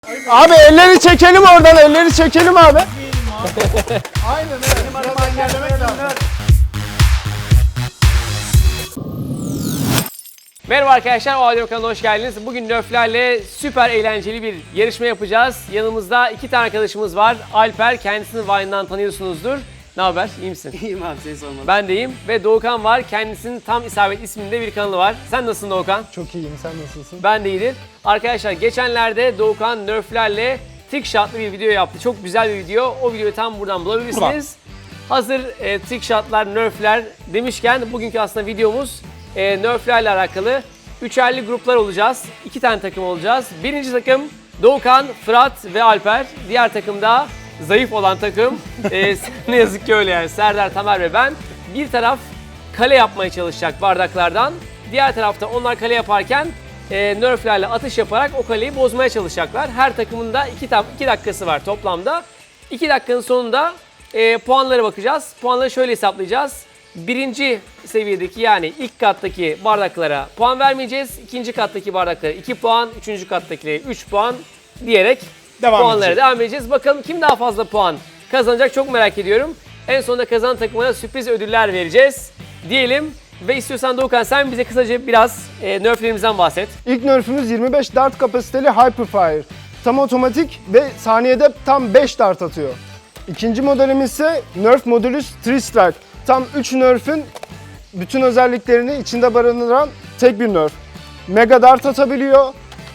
Abi elleri çekelim oradan, elleri çekelim abi. Aynen öyle. Benim arama engellemek lazım. Merhaba arkadaşlar, o Adem kanalına hoş geldiniz. Bugün Nerf'lerle süper eğlenceli bir yarışma yapacağız. Yanımızda iki tane arkadaşımız var. Alper, kendisini Vine'dan tanıyorsunuzdur. Ne haber, iyi misin? İyiyim abi, seni sormadım. Ben de iyiyim. Ve Doğukan var, kendisinin Tam İsabet isminde bir kanalı var. Sen nasılsın Doğukan? Çok iyiyim, sen nasılsın? Ben de iyiyim. Arkadaşlar geçenlerde Doğukan Nerf'lerle trickshot'lı bir video yaptı. Çok güzel bir video. O videoyu tam buradan bulabilirsiniz. Hazır trickshot'lar, Nerf'ler demişken bugünkü aslında videomuz Nerf'lerle alakalı. Üçerli gruplar olacağız. 2 tane takım olacağız. Birinci takım Doğukan, Fırat ve Alper. Diğer takım da zayıf olan takım. Ne yazık ki öyle yani. Serdar, Tamer ve ben. Bir taraf kale yapmaya çalışacak bardaklardan. Diğer tarafta onlar kale yaparken Nerf'lerle atış yaparak o kaleyi bozmaya çalışacaklar. Her takımın da 2 dakikası var toplamda. 2 dakikanın sonunda puanlara bakacağız. Puanları şöyle hesaplayacağız. Birinci seviyedeki yani ilk kattaki bardaklara puan vermeyeceğiz. İkinci kattaki bardaklara 2 puan, üçüncü kattakilere 3 puan diyerek puanlara devam edeceğiz. Bakalım kim daha fazla puan kazanacak çok merak ediyorum. En sonunda kazanan takımına sürpriz ödüller vereceğiz diyelim. Ve istiyorsan Doğukan sen bize kısaca biraz nerflerimizden bahset. İlk nerfümüz 25 dart kapasiteli Hyperfire. Tam otomatik ve saniyede tam 5 dart atıyor. İkinci modelimiz ise Nerf Modulus 3 Strike. Tam 3 nerf'ün bütün özelliklerini içinde barındıran tek bir nerf. Mega dart atabiliyor,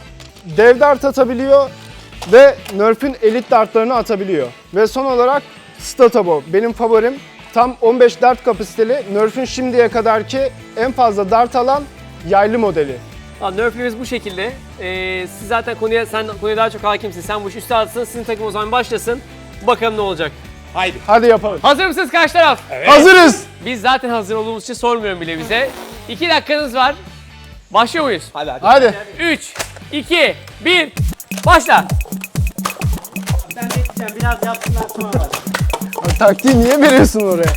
dev dart atabiliyor ve nerf'ün elit dartlarını atabiliyor. Ve son olarak Statabo, benim favorim. Tam 15 dart kapasiteli, nerf'ün şimdiye kadarki en fazla dart alan yaylı modeli. Nerf'lerimiz bu şekilde. Siz zaten sen konuya daha çok hakimsin. Sen bu işi üstadısın. Sizin takım o zaman başlasın. Bakalım ne olacak. Hadi yapalım. Hazır mısınız karşı taraf? Evet. Hazırız. Biz zaten hazır olduğumuz için sormuyorum bile bize. 2 dakikanız var. Başlıyor muyuz? Hadi. 3, 2, 1, başla. Ben bekleyeceğim, biraz yapsınlar sonra bak. Taktiği niye veriyorsun oraya?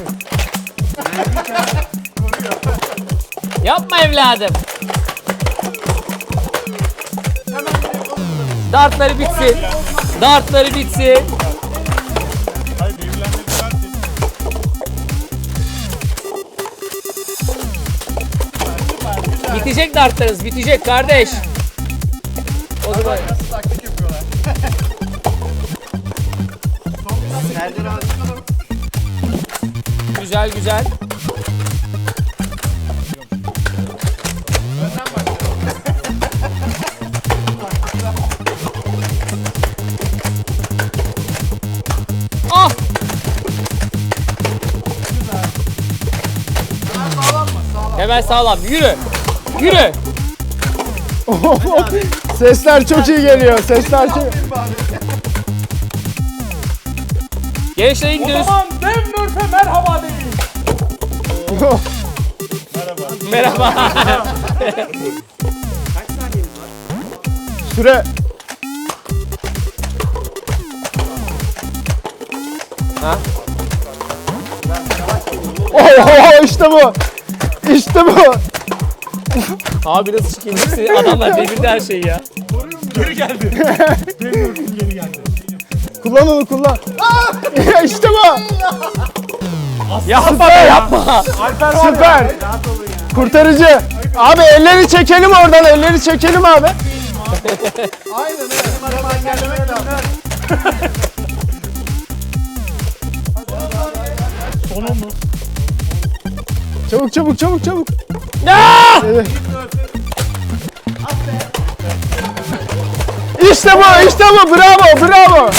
Yapma evladım. Dartları bitsin. Dartları bitsin. Bitecek dartlarınız, bitecek kardeş. O zaman Taktik yapıyorlar. Serdar abi. güzel güzel. Ah! Hemen sağlam. Yürü. Yürü. Sesler çok iyi geliyor. Sesler çok... Gençler gidiyoruz. dev Nerf'e merhaba deyin. Merhaba. Kaç saniyemiz var? Süre. Ha? Oho işte bu. İşte bu. Abi nasıl çıkayım? Adamlar devirdi her şeyi ya. Geri geldi. Geri geldi. Kullan onu kullan. İşte bu. Yapma be, yapma. Alper Süper. Rahat olun ya. Kurtarıcı. Abi elleri çekelim oradan. Elleri çekelim abi. Aynen öyle. Benim arama engellemek lazım. Sonu mu? Çabuk çabuk çabuk çabuk. Ya! Evet. İşte bu, işte bu. Bravo, bravo.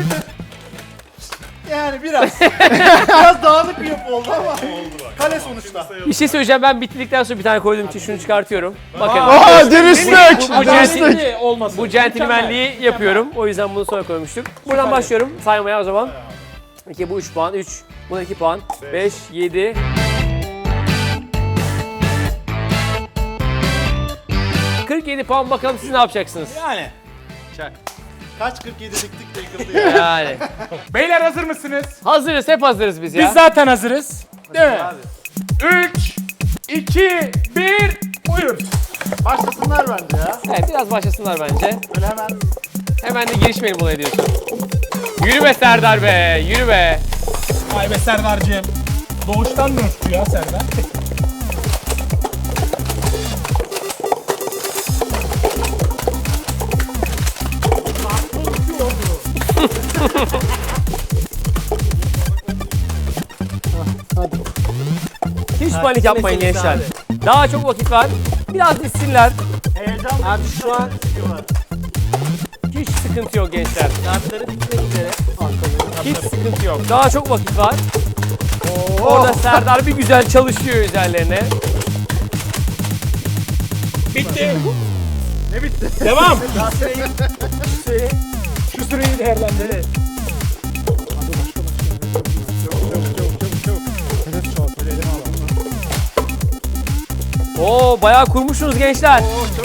Yani biraz. Biraz dağınık bir yapı oldu ama. Kale sonuçta. Bir şey söyleyeceğim, ben bitirdikten sonra bir tane koyduğum için şunu çıkartıyorum. Bakın. Aa, dürüstlük. Bu Dürüstlük. bu centilmenliği yapıyorum. O yüzden bunu sonra koymuştuk. Buradan başlıyorum saymaya o zaman. 2, bu 3 puan, 3, buna 2 puan, 5, 7. ...47 puan, bakalım siz ne yapacaksınız? Yani. Çak. Kaç 47 diktik de yıkıldı ya. Yani. Beyler hazır mısınız? Hazırız, hep hazırız biz ya. Biz zaten hazırız. Değil mi? 3, 2, 1, buyur. Başlasınlar bence ya. Evet, biraz başlasınlar bence. Böyle hemen Hemen de girişmeyelim olaya diyorsun. Yürü be Serdar be, yürü be. Vay be Serdar'cığım. Doğuştan nörfçü ya Serdar. Hiç panik yapmayın gençler. Daha çok vakit var. Biraz dissinler. Heyecan Abi şu an hiç sıkıntı yok gençler. kartları bitmek üzere. Hiç sıkıntı yok. Daha çok vakit var. Orada Serdar bir güzel çalışıyor üzerlerine. Bitti. Ne bitti? Devam. Şu süreyi değerlendir. Oo bayağı kurmuşsunuz gençler.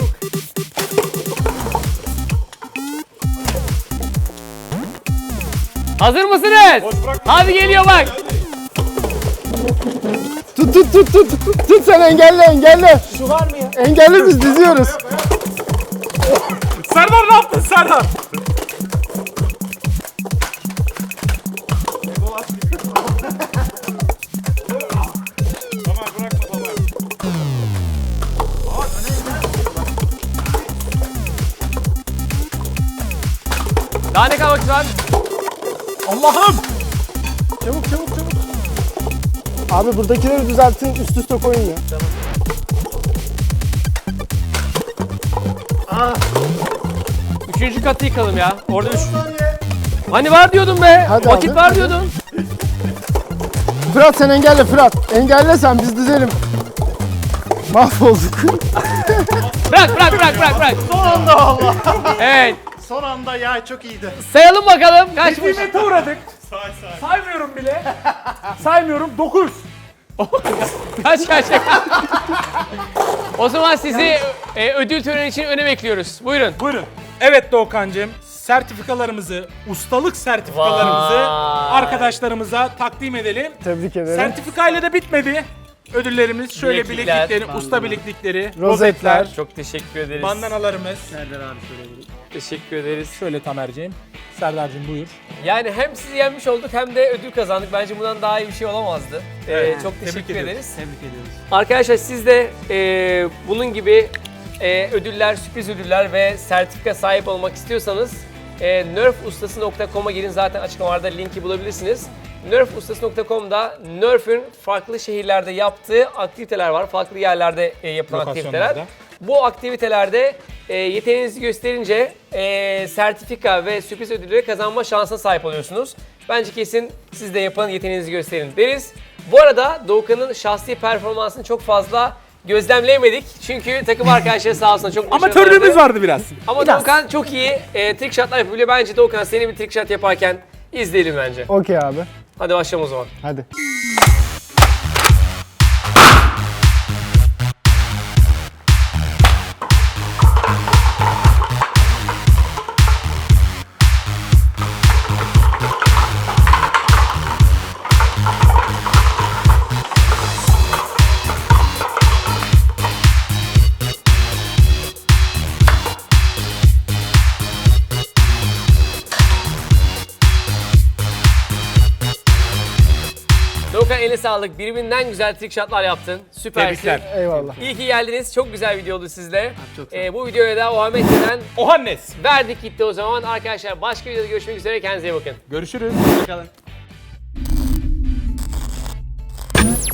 Hazır mısınız? Hadi geliyor bak. Tut tut tut tut. Tut sen engelle. Şu var mı ya? Engelli biz diziyoruz. Serdar ne yaptın Serdar? Daha ne kadar vakit var? Allah'ım. Çabuk. Abi buradakileri düzeltin, üst üste koyun ya. Üçüncü katı yıkalım ya. Orada üç. Hani var diyordun be. Hadi vakit abi, var hadi. diyordun. Fırat sen engelle Fırat. Engelle sen biz dizelim. Mahvolduk. Bırak. Son anda valla. Evet. Son anda ya çok iyiydi. Sayalım bakalım. Kaçmış? Nimete uğradık. Saymıyorum bile. Saymıyorum. 9. Kaç. O zaman sizi ödül töreni için öne bekliyoruz. Buyurun. Buyurun. Evet Doğukan'cığım. Sertifikalarımızı, ustalık sertifikalarımızı Vay. arkadaşlarımıza takdim edelim. Tebrik ederim. Sertifikayla da bitmedi. Ödüllerimiz şöyle Bileklikler, bileklikleri, usta bileklikleri, Rozetler. Çok teşekkür ederiz. bandanalarımız. Teşekkür ederiz. Şöyle Tamer'ciğim. Serdar'cığım buyur. Yani hem sizi yenmiş olduk hem de ödül kazandık. Bence bundan daha iyi bir şey olamazdı. Çok Tebrik teşekkür ediyoruz. ederiz. Tebrik ediyoruz. Arkadaşlar siz de bunun gibi ödüller, sürpriz ödüller ve sertifika sahip olmak istiyorsanız nerfustası.com'a girin. Zaten açıklamalarda linki bulabilirsiniz. Nerfustası.com'da Nerf'ün farklı şehirlerde yaptığı aktiviteler var. Farklı yerlerde yapılan aktiviteler. Lokasyonlarda. Bu aktivitelerde yeteneğinizi gösterince sertifika ve sürpriz ödülleri kazanma şansına sahip oluyorsunuz. Bence kesin siz de yapın, yeteneğinizi gösterin deriz. Bu arada Doğukan'ın şahsi performansını çok fazla gözlemleyemedik. Çünkü takım arkadaşları sağ olsun çok başarılı. Amatörlüğümüz vardı biraz. Ama Doğukan çok iyi trick shotlar yapabiliyor. Bence Doğukan seni bir trick shot yaparken izleyelim bence. Okey abi. Hadi başlayalım o zaman. Hadi. Doğukan eline sağlık. Birbirinden güzel trick shotlar yaptın. Süpersin. Tebrikler. Eyvallah. İyi ki geldiniz. Çok güzel video oldu sizle. Bu videoya da Ohamet'ten Ohannes. verdik gitti o zaman. Arkadaşlar başka videoda görüşmek üzere. Kendinize iyi bakın. Görüşürüz. Bakalım.